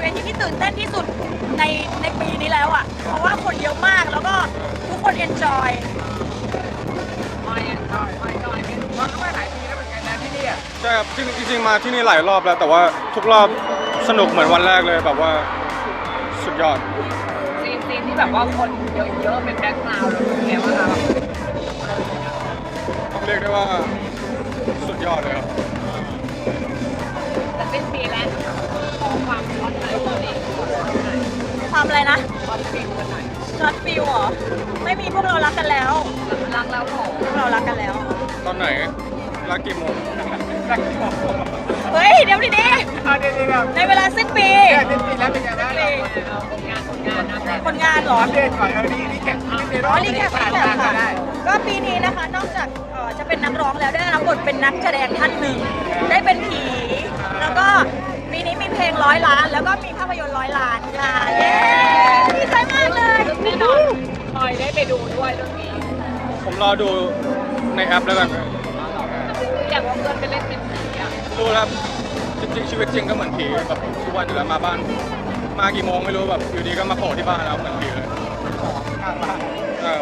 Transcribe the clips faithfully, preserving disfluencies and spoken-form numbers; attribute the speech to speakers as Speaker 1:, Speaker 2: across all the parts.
Speaker 1: วทีที่ตื่นเต้นที่สุดในในปีนี้แล้วอ่ะเพราะว่าคนเยอะมากแล้วก็ทุกคนเอนจอย
Speaker 2: ไม่ไม่ไม่ไม่มันก็ไม่หลายปีแล้วเหมือนกันนะที่นี่
Speaker 3: ใช่ครับจริงๆมาที่นี่หลายรอบแล้วแต่ว่าทุกรอบสนุกเหมือนวันแรกเลยแบบว่าสุดยอด
Speaker 2: ซีนซีนที่แบบว่าคนเยอะๆเป็นแบ็คกราวด์แล้วเป็นไงบ้างคะ
Speaker 3: ต้องเรียกได้ว่าสุดยอดเลยครับ
Speaker 2: แต่สิ้นปีแล้วขอความฮอตหน่อยตอนนี้ขอหน่อย
Speaker 1: ความอะไรนะ
Speaker 2: ฮอตฟิลกันหน่อย
Speaker 1: ช็อตฟิลเหรอไม่มีพวกเรารักกันแล้ว
Speaker 2: รักแล้วขอ
Speaker 1: พวกเรารักกันแล้ว
Speaker 3: ตอนไหนรักกี่โมง
Speaker 2: รักกี่โมง
Speaker 1: เฮ้ยเดี๋ยวดีดีในเวลาสิ้นปี
Speaker 2: สิ้นปีแล้วเป็นไงบ้างผลงานผลงานนะ
Speaker 1: ผลงานเหรอ
Speaker 2: อัปเดตก่อนเออนี่นี่แกะ
Speaker 1: อ๋อรีแคปรีแคปค่ะก็ปีนี้นะคะนอกจากจะเป็นนักร้องแล้วได้รับบทเป็นนักแสดงท่านหนึ่งได้เป็นผีแล้วก็ปีนี้มีเพลงร้อยล้านแล้วก็มีภาพยนตร์ร้อยล้านค่ะเย้ดีใจมากเลย
Speaker 2: แน่นอนคอยได้ไปดูด้วยเรื่องนี้
Speaker 3: ผมรอดูในแอปแล้วกัน
Speaker 2: อยากว่าเพื่อนไปเล่นเป็นผีอ่ะ
Speaker 3: รู้แล้วจริงๆชีวิตจริงก็เหมือนผีแบบทุกวันอยู่แล้วมาบ้านมากี่โมงไม่รู้แบบอยู่ดีก็มาโผล่ที่บ้านแล้วเหมือนผีเลย
Speaker 2: ข้างบ้าน
Speaker 3: ครับ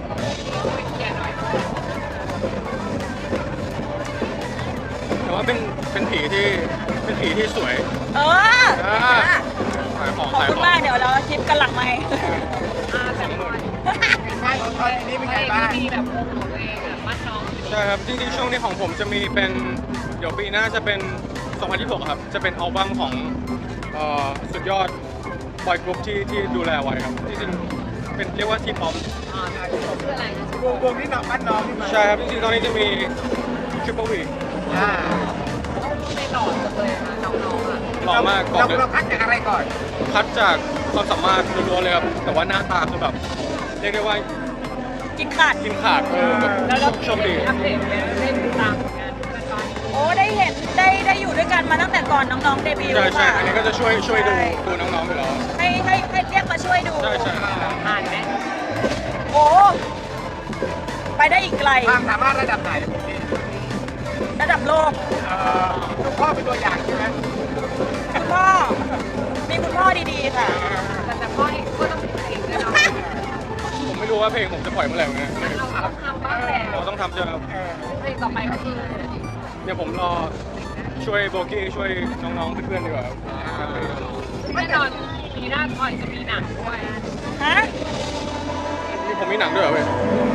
Speaker 3: แต่ว่าเป็นเป็นผีที่เป็นผีที่สวย
Speaker 1: เออ
Speaker 3: ขายของ
Speaker 1: ขอบคุณมากเดี๋ยวเราคลิปกันหลังไหม
Speaker 2: อ่าแต่ก่อนไม่ของตอนนี้เป็นไงบ้างมีแบบวงของตัวเองอ่ะมัดน้อง
Speaker 3: ใช่ครับจริงๆช่วงนี้ของผมจะมีเป็นเดี๋ยวปีหน้าจะเป็นสองพันยี่สิบหกครับจะเป็นอัลบั้มของสุดยอดบอยกรุ๊ปที่ที่ดูแลไว้ครับจริงๆเป็นเรียกว่าทีป๊อป
Speaker 2: อ่าทีป๊อปคืออะไรวงวงที่น้องมัดน้องที่มา
Speaker 3: ใช่ครับจริงๆตอนนี้จะมีทริปเปิลวี
Speaker 2: อ่าไม่หล่อจังเลยนะน้องๆอ่ะ
Speaker 3: หล่อมาก
Speaker 2: เราเราคัดจากอะไรก่อน
Speaker 3: คัดจากความสามารถล้วนๆเลยครับแต่ว่าหน้าตาคือแบบเรียกได้ว่า
Speaker 1: กินขาด
Speaker 3: กินขาดเออ
Speaker 2: แล้วเรา
Speaker 3: โชคดี
Speaker 2: อัปเดตเล่นตามงาน
Speaker 1: โอ้ได้เห็นได้ได้อยู่ด้วยกันมาตั้งแต่ก่อนน้องๆเดบิวต์
Speaker 3: ใช่ใช่อันนี้ก็จะช่วยช่วยดูดูน้องๆไปแล้ว
Speaker 1: ให้ให้ให้เรียกมาช่วยดู
Speaker 3: ใช่ใช่
Speaker 2: อ่านไหม
Speaker 1: โอ้ไปได้อีกไกล
Speaker 2: ความสามารถระดับไหน
Speaker 1: ระดับโลก
Speaker 2: คุณพ่อเป็นตัวอย่างใช่ไหม
Speaker 1: คุณพ่อมีคุณพ่อดีๆค่ะ
Speaker 2: แต่พ่อเองก็ต้องเป็นเองแน่นอน
Speaker 3: ผมไม่รู้ว่าเพลงผมจะปล่อยเมื่อไหร่เหมือนกัน
Speaker 2: เราต้องทำบ้างแหละ
Speaker 3: เราต้องทำใช่ไหมครับ
Speaker 2: เพลงต่อไปก็คือ
Speaker 3: เนี่ยผมรอช่วยโบกี้ช่วยน้องๆเพื่อนๆดีกว่าครับ
Speaker 2: แน่นอนปีหน้าทอยจะมีหนังด้วย
Speaker 1: ฮะ
Speaker 3: นี่ผมมีหนังด้วยเหรอเว้ย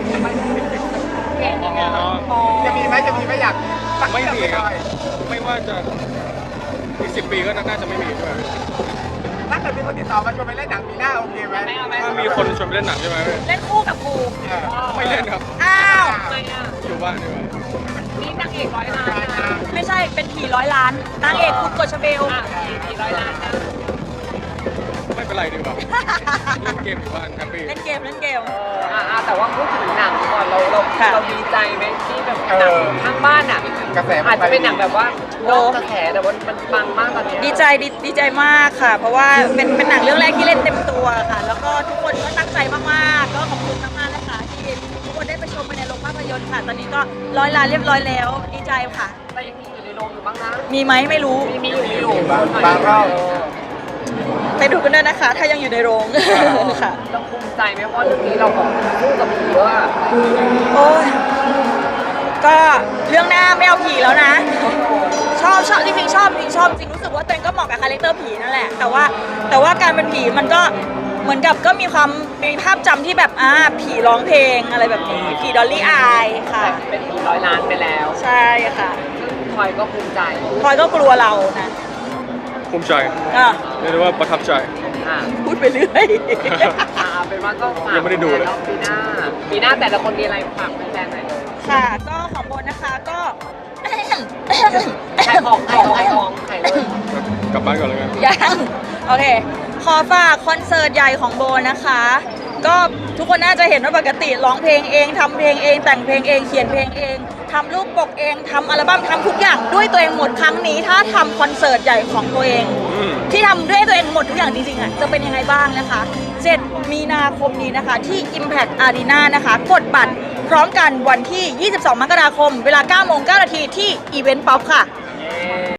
Speaker 2: จะมีไหมจะมีไหมอยาก
Speaker 3: ไม่มีครับไม่ว่าจะอีกสิบปีก็น่าจะไม่มีด้วย
Speaker 2: ถ้าเกิดมีคนติดต่อมาชวนไปเล่นหนังปีหน้าโอเคไหม
Speaker 3: ถ้ามีคนชวนไปเล่นหนังใช่ไหม
Speaker 1: เล่นคู่กับกู
Speaker 3: ไม่เล่นครับ
Speaker 1: อ้าว
Speaker 3: อยู่บ้านดีกว่า
Speaker 2: นี่นางเอกร้อยล้าน
Speaker 1: ไม่ใช่เป็นผีร้อยล้านนางเอกคุณกฎชเบล
Speaker 2: ผีร้อยล้านนะ
Speaker 3: ไม่เป็นไรดีกว่าเล่นเกมอยู่บ้านแฮปปี้
Speaker 1: เล่นเกมเล่นเกม
Speaker 2: อ่าแต่ว่าพูดถึงหนังก่อนเราเราเราดีใจไหมที่แบบหนังข้างบ้านอ่ะกระแสอาจจะเป็นหนังแบบว่าโลกกระแสแต่ว่ามันปังมากตอนนี้
Speaker 1: ดีใจดีใจมากค่ะเพราะว่าเป็นเป็นหนังเรื่องแรกที่เล่นเต็มตัวค่ะแล้วก็ทุกคนก็ตั้งใจมากๆก็ขอบคุณมากๆนะคะที่ทุกคนได้ไปชมในโรงภาพยนตร์ค่ะตอนนี้ก็ร้อยล้านเรียบร้อยแล้วดีใจค่ะ
Speaker 2: แต่ยังมีอยู่ในโรงอยู่บ้างนะ
Speaker 1: มีไหมไม่รู้
Speaker 2: มีมีอยู่มีอยู่บางรอบ
Speaker 1: ไปดูกันได้นะคะถ้ายังอยู่ในโรงค่ะ
Speaker 2: เราภูมิใจไหมเพราะเรื่องนี้เราแบบสู้กับผีเยอะอะ
Speaker 1: โอ้ยก็เรื่องหน้าไม่เอาผีแล้วนะชอบชอบจริงๆชอบจริงชอบจริงรู้สึกว่าตัวเองก็เหมาะกับคาแรคเตอร์ผีนั่นแหละแต่ว่าแต่ว่าการเป็นผีมันก็เหมือนกับก็มีความมีภาพจำที่แบบอ่าผีร้องเพลงอะไรแบบนี้ผีดอลลี่อายค่ะ
Speaker 2: เป็นผีร้อยล้านไปแล้ว
Speaker 1: ใช่ค่ะ
Speaker 2: พลอยก็ภูมิใจ
Speaker 1: พลอยก็กลัวเรานะ
Speaker 3: ภูมิใจ
Speaker 1: อ่ะ
Speaker 3: เรียกได้ว่าประทับใจ
Speaker 1: พูดไปเรื่อย
Speaker 2: อ่าเป็นว่าก็ฝากยังไม่ได้ดูเลยปีหน้าปีหน้าแต่ละคนมีอะไรฝากแฟนๆหน่อย
Speaker 1: ค่ะก็ของโบนะคะก็
Speaker 2: ขายของขายของขายของขายเลย
Speaker 3: กลับบ้านก่อนเลยกัน
Speaker 1: ยังโอเคขอฝากคอนเสิร์ตใหญ่ของโบนะคะก็ทุกคนน่าจะเห็นว่าปกติร้องเพลงเองทำเพลงเองแต่งเพลงเองเขียนเพลงเองทำรูปปกเองทำอัลบั้มทำทุกอย่างด้วยตัวเองหมดครั้งนี้ถ้าทำคอนเสิร์ตใหญ่ของตัวเองที่ทำด้วยตัวเองหมดทุกอย่างจริงๆอ่ะจะเป็นยังไงบ้างนะคะเจ็ดมีนาคมนี้นะคะที่ Impact Arena นะคะกดบัตรพร้อมกันวันที่ยี่สิบสองมกราคมเวลาเก้าโมงเก้านาทีที่อีเวนต์ป๊อปค่ะ